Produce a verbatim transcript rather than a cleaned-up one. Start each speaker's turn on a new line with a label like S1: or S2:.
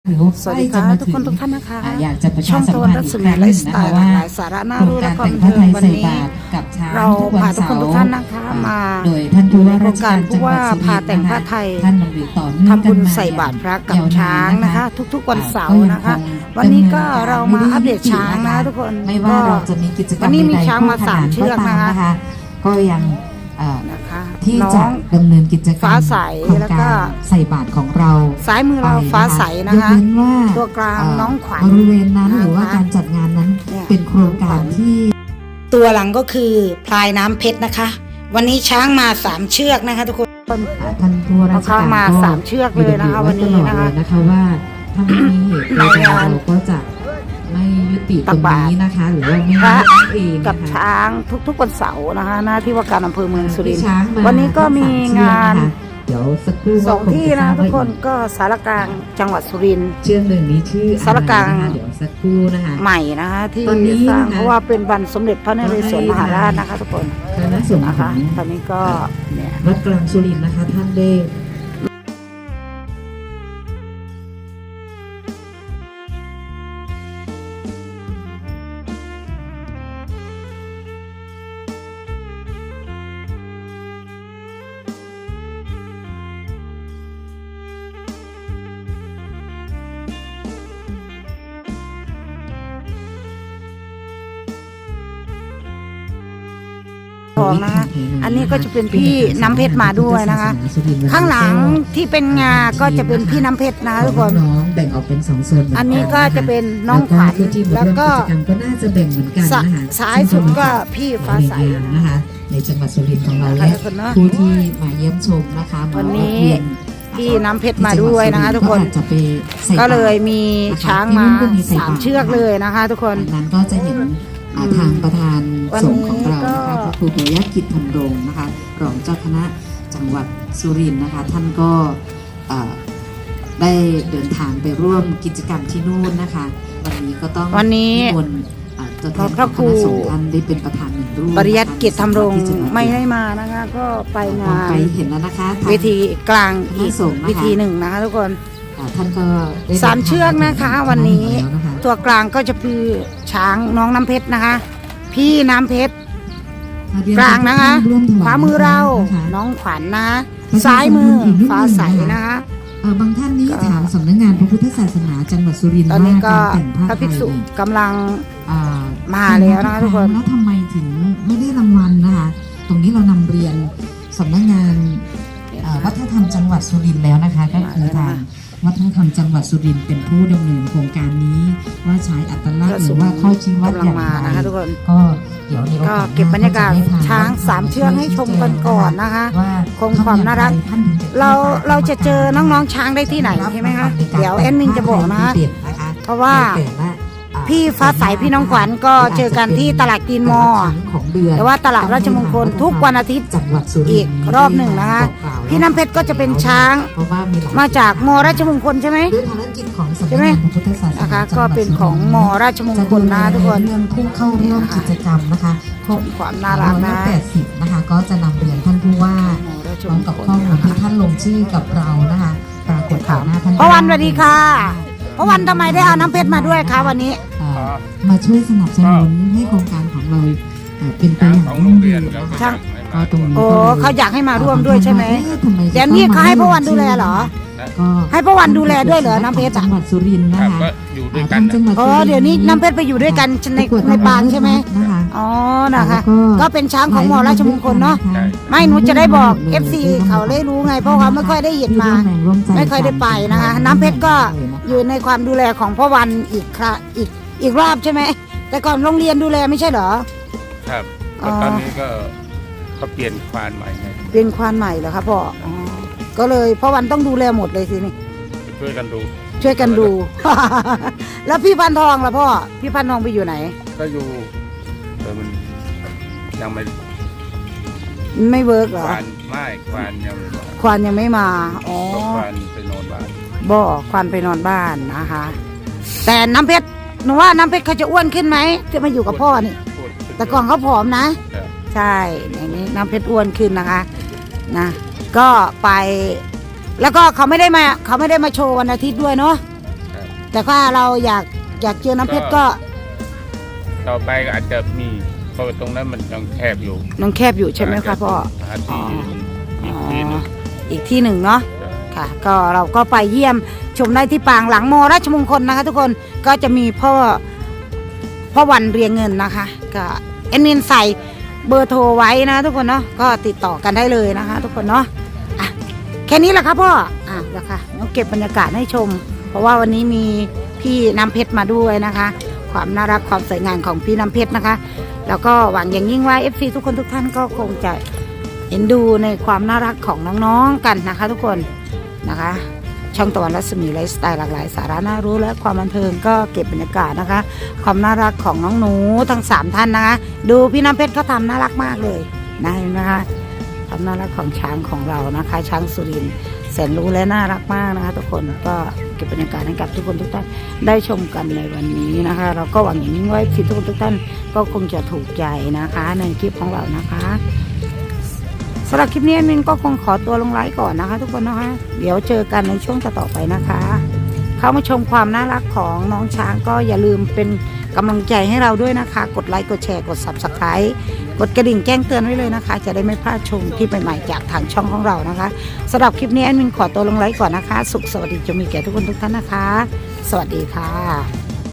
S1: สวัสดีค่ะทุกคนทุกท่านนะคะ
S2: อยากจะประชา
S1: ช่อง
S2: สัม
S1: ตะวัน
S2: พัน
S1: รั
S2: ธ์
S1: ศ
S2: อีก
S1: มี
S2: ครั้ง
S1: ไล
S2: หนึ่ง
S1: ฟ์ส
S2: นะ
S1: ไต
S2: คะ
S1: ล์
S2: ว่า
S1: หลายสาระน่า
S2: โครง
S1: รู้และ
S2: การ
S1: ความ
S2: แต่ง
S1: บัน
S2: ผ้าไทย
S1: เทิง
S2: ใส่
S1: วันนี้
S2: บาตรกับช้าง
S1: เรา
S2: ทุกวั
S1: พาน ทุกคน
S2: เสา
S1: ทุก
S2: ร์
S1: ท่านนะคะมา
S2: โดยท่านผู้ว่าราชการ
S1: โครงการผู้ว่าพาแต่งผ้าไทย
S2: ท่านดำเนินต่อเนื่อง
S1: ทำบุญ
S2: กันมา
S1: ใส่บาตรพระกับ
S2: ยวนน
S1: ช้างนะคะ ทุกๆวันเสาร์นะคะ วันนี้ก็เรามาอัปเดตช้างนะทุกคน
S2: ไม่ว่าเราจะมีกิจกรรม
S1: วันนี้มี
S2: ใดๆ
S1: ช้างมาสามเชือก
S2: ก็ต
S1: นะคะ
S2: ก็ยังเอ่อ
S1: นะคะ
S2: ที่
S1: น้อ
S2: จะ
S1: ง
S2: ดำเนินกิจกรรม
S1: ฟ้าใส
S2: โครง
S1: แล้วก็
S2: ารใส่บาตรของเรา
S1: ซ้ายมือเรา
S2: ไป
S1: ฟ้าใสนะคะ
S2: ยกเว้นว่า
S1: ตัวกลาง
S2: เ
S1: น้องขวัญ
S2: บริเวณนั้น
S1: นะคะ
S2: หรือว่าการจัดงานนั้น
S1: เนี่ย
S2: เป็นโครงการที่
S1: ตัวหลังก็คือพลายน้ำเพชรนะคะ วันนี้ช้างมาสามเชือกนะคะทุกคน
S2: ท่านผู้ว่าราชการ
S1: เอาเข้ามา
S2: ก็
S1: สามเชือกเลยนะคะ
S2: มี
S1: วันนี้
S2: ตลอด
S1: นะคะ
S2: เลยนะคะว่าถ้าไม่มีเหตุใด
S1: ในงาน
S2: เราก็จะไม่ยุติตรงนี้นะคะ หรือว่าไม่
S1: พระ
S2: นั่นเอง
S1: กับ
S2: นะคะ
S1: ช้างทุกๆวันเสาร์นะคะหน้าที่ว่าการอำเภอเมืองสุรินทร์
S2: ช้างมา
S1: วันนี้ก็มีงาน
S2: เดี๋ยวสักครู่
S1: สองที่นะ
S2: ว่า
S1: ทุกคน
S2: อี
S1: ก็สารกลางจังหวัดสุรินทร์
S2: เชือกหนึ่งนี้ชื่อ
S1: สารกลาง
S2: อะไรนะคะเดี๋ยวสักครู่นะคะ
S1: ใหม่นะคะที่
S2: ตอนนี้
S1: สร้าง
S2: นะคะ
S1: เพราะว่าเป็นวันสมเด็จพระนเรศวรมหาราชนะคะทุกคน
S2: คณะสงฆ์
S1: นะ
S2: ข
S1: คะ
S2: อง
S1: ตอนนี้ก็เนี่ย
S2: วัดกลางสุรินทร์นะคะท่านได้
S1: ทองนะคะอันนี้ก็จะเป็นพี่น้ำเพชรมาด้วยนะคะ ข้างหลังที่เป็นงาก็จะเป็นพี่น้ำเพชรนะทุกคน
S2: น้องๆแบ่งออกเป็นสองโซนเหมื
S1: อันนี้ก็จะเป็นน้
S2: น้
S1: อ
S2: อง ง
S1: ขวัญ
S2: แล้
S1: แล้ว ว
S2: ก็
S1: ก็
S2: กิจกรรมก็น่าจะแบ่งเหมือนกันนะคะ
S1: ซ้ายสุดก็พี่ฟ้าใส
S2: นะคะในจังหวัดสุรินทร์ของเรา
S1: นะคะ
S2: และ
S1: ทุกคนเนอะ
S2: ผู้ที่มาเยี่ยมชมนะคะมา
S1: วันนี้
S2: แวะเวีย
S1: พี่น้ำเพชรมาด้วยนะคะทุกคน
S2: อาจจะไปใส่
S1: ก็เลย
S2: บาตร
S1: มีช้างมาสามเชือกเลยนะคะ ทุกคน
S2: ดังนั้นก็จะเห็นอ่าทางประธาน
S1: วัน
S2: ส
S1: นี้
S2: งฆ์ของเรานะคะ
S1: ก็
S2: พระครูปิยกิจธรรมรงค์นะคะรองเจ้าคณะจังหวัดสุรินทร์นะคะ ท่านก็เอ่อได้เดินทางไปร่วมกิจกรรมที่นู่นนะคะ วันนี้ก็ต้อง
S1: วันนี้
S2: นิมนต์อ่าตัวแทน
S1: พระครู
S2: ณะสงฆ์ท่านได้เป็นประธานหนึ่งรูป
S1: ปริยัติเกียรติธรรมรงค์
S2: ที่จะา
S1: ไม่ได้มานะคะ ก็ไปงาน
S2: ไปเห็นแล้วนะคะทาง
S1: เวทีกลางอีก
S2: คณะสงฆ์นะคะ
S1: เวทีหนึ่งนะคะทุกคน
S2: อ่าท่านก็ได้
S1: สามเชือกนะคะ วันนี้
S2: แล้วนะคะ
S1: ตัวกลางก็จะคือช้างน้องน้ำเพชรนะคะ พี่น้ำเพชรกลางนะคะ
S2: ร่วมถวาย
S1: ขวามือเรา
S2: นะคะ
S1: น้องขวัญนะซ้ายมือฟ้าใสนะคะ
S2: เอ่อบางท่านนี่
S1: ก็
S2: ถามสำนักงานพระพุทธศาสนาจังหวัดสุรินทร์
S1: ตอนนี้
S2: ว่า
S1: ก็
S2: การแต่งผ้า
S1: พระ
S2: ไท
S1: ภิก
S2: ย
S1: ษุ
S2: นี่
S1: กำลัง
S2: อ่า
S1: มาแล้วนะคะทุกคน
S2: แล้วทำไมถึงไม่ได้รางวัลนะคะ ตรงนี้เรานำเรียนสำนักงานเอ่อวัฒนธรรมจังหวัดสุรินทร์แล้วนะคะ ก็คือทางวัฒนธรรมจังหวัดสุรินทร์เป็นผู้ดำเนินโครงการนี้ว่าใช้อัตลักษณ์หรือว่าข้อชี้วัด
S1: กำลั
S2: อง ย่าง
S1: มา
S2: ไร
S1: นะคะทุกคน
S2: ก็เดี๋ยวในโอกาสหน้
S1: ก็เก็บบรรยากาศ
S2: จะได้พ
S1: ช้างสามเชือกให้ชมกันก่อนนะคะ
S2: ว่า
S1: คงความน่ารัก
S2: ท่านถึงจะ
S1: เราเราจะเจอน้องๆช้างได้ที่ไหนใช่ไหมคะเดี๋ยวแอดมินจะบอกนะคะ
S2: เด่นนะคะ
S1: เพราะว่า
S2: ในแต่ละอ่
S1: พี่ฟ้าใสพี่น้องขวัญก็เจอกันที่ตลาดกรีนมอลล์
S2: ของเดือน
S1: แต่ว่าตลาดราชมงคลทุกวันอาทิตย์
S2: จังหวัดสุริ
S1: อี
S2: น
S1: ก
S2: ทร์
S1: รอบหนึ่งนะคะ พี่น้ำเพชรก็จะเป็นช้าง
S2: เพราะว่ามีหลย
S1: มาจากมอราชมงคลใช่ไหม
S2: ด้วยภารกิจของสำนัก
S1: ใช่ไหม
S2: งานพระพุทธศาสนา
S1: นะคะ
S2: จังห
S1: ก็
S2: วัด
S1: เป็น
S2: สุรินทร์
S1: ของมอราชมงคลนะทุกคน
S2: เรื่องผู้เข้าร่วมกิจกรรมนะคะครบ
S1: ความน่ารักนะ
S2: แปดสิบนะคะ ก็จะนำเรียนท่านผู้ว่า
S1: มอราช
S2: พร้
S1: ม
S2: อม
S1: ง
S2: กับ
S1: คล
S2: ข้อมูลที่ท่านลงชื่อกับเรานะคะปรากฏต่อหน้าท่าน
S1: พระวันสวัสดีค่ะพระวันทำไมได้เอาน้ำเพชรมาด้วยคะวันนี้
S2: อ่ามาช่วยสนับสนุนให้โครงการของเราเอ่อเป็นไปอย่าง
S3: ของ
S2: ยั่
S3: โรง ง
S2: ยื
S3: เรียน
S2: น
S3: ครับ
S2: นะคะ
S1: ช่าง
S2: ก็ตรงนี้
S1: โอ้
S2: ก็ลย
S1: เขาอยากให้มาร่วมด้วยใช่ไหม
S2: เอ๊ะทำไมจะ
S1: เดี๋ยวนี้เขาให้พระวันดูแลเหรอ
S2: ก็
S1: ให้พระวันดูแลด้วยเหรอน้ำเพชร
S2: จั
S1: อะ
S2: งหวัดสุรินทร์นะ
S3: ครับ
S2: คะ
S3: ก็อยู่ด้วยกั
S2: ทาน งจังหวัด
S1: อ๋อเดี๋ยวนี้น้ำเพชรไปอยู่ด้วยกันในในปางใช่ไหม
S2: นะคะ
S1: อ๋อนะคะ
S2: แล้ว
S1: ก็เป็นช้างของมอราชมงคลเนาะ
S3: ใช่
S1: ไม่หนูจะได้บอก เอฟ ซี เขาได้รู้ไง เพราะเขาไม่ค่อยได้เห็นมา ไม่ค่อยได้ไปนะคะ น้ำเพชรก็อยู่ในความดูแลของพ่อวันอีกครั้งอีกอีกรอบใช่ไหมแต่ก่อนโรงเรียนดูแลไม่ใช่เหรอ
S3: ครับ
S1: อ๋อ
S3: ตอนนี้ก็เขาเปลี่ยนควานใหม่ไง
S1: เป็นควานใหม่เหรอครับพ่ออ๋อก็เลยพ่อวันต้องดูแลหมดเลยสินี่
S3: ช่วยกันดู
S1: ช่วยกันดู แล้วพี่พันทองล่ะพ่อพี่พันทองไปอยู่ไหน
S3: ก็อยู่แต่มันยังไม่
S1: ไม่เวิร์กเหร
S3: ค
S1: อ
S3: วานไม่ควานยังไม่มา
S1: ควานยังไม่มาอ๋อ
S3: ก็ควานไปนอนบ้าน
S1: บ่ควานไปนอนบ้านนะคะ แต่น้ำเพชรหนูว่าน้ำเพชรเขาจะอ้วนขึ้นไหมจะมาอยู่กับพ่อนี่
S3: พูด
S1: แต่ก่อนเขาผอมนะ
S3: ครับ
S1: ใช่ในนี้น้ำเพชรอ้วนขึ้นนะคะนะก็ไป แล้วก็เขาไม่ได้มาเขาไม่ได้มาโชว์วันอาทิตย์ด้วยเนาะ
S3: ครับ
S1: แต่ว่าเราอยากอยากเจอน้ำเพชรก็
S3: ต่อไปก็อาจจะมีเพราะว่าตรงนั้นมันยังแคบอยู่
S1: น้องแคบอยู่ใช่ไหมคะพ่อ
S3: หาที่อีกที่หนึ่ง
S1: อีกที่หนึ่งเนาะ ค่ะก็เราก็ไปเยี่ยมชมได้ที่ปางหลังมอราชมงคลนะคะ ทุกคนก็จะมีพ่อพ่อวันเรียงเงินนะคะก็เอ็นมินใส่เบอร์โทรไว้นะทุกคนเนาะก็ติดต่อกันได้เลยนะคะ ทุกคนเนาะอ่ะแค่นี้แหละครับพ่ออ่ะแล้วค่ะเราเก็บบรรยากาศให้ชม เพราะว่าวันนี้มีพี่น้ำเพชรมาด้วยนะคะ ความน่ารักความสวยงามของพี่น้ำเพชรนะคะ แล้วก็หวังอย่างยิ่งว่า เอฟ ซี ทุกคนทุกท่านก็คงจะเห็นดูในความน่ารักของน้องๆกันนะคะ ทุกคนนะคะ ช่องตะวันรัศมีไลฟ์สไตล์หลากหลายสาระน่ารู้และความบันเทิงก็เก็บบรรยากาศนะคะ ความน่ารักของน้องหนูทั้งสามท่านนะคะ ดูพี่น้ำเพชรเขาทำน่ารักมากเลยนะเห็นไหมคะความน่ารักของช้างของเรานะคะ ช้างสุรินทร์แสนรู้และน่ารักมากนะคะ ทุกคนก็เก็บบรรยากาศให้กับทุกคนทุกท่านได้ชมกันในวันนี้นะคะ เราก็หวังอย่างยิ่งว่าที่ทุกคนทุกท่านก็คงจะถูกใจนะคะในคลิปของเรานะคะสำหรับคลิปนี้แอดมินก็คงขอตัวลงไลฟ์ก่อนนะคะ ทุกคนนะคะเดี๋ยวเจอกันในช่วงต่อๆไปนะคะ เข้ามาชมความน่ารักของน้องช้างก็อย่าลืมเป็นกำลังใจให้เราด้วยนะคะ กดไลค์กดแชร์กด ซับสไครบ์ กดกระดิ่งแจ้งเตือนไว้เลยนะคะ จะได้ไม่พลาดชมคลิปใหม่ๆจากทางช่องของเรานะคะสำหรับคลิปนี้แอดมินขอตัวลงไลฟ์ก่อนนะคะสุขสวัสดีจะมีแก่ทุกคนทุกท่านนะคะ สวัสดีค่ะ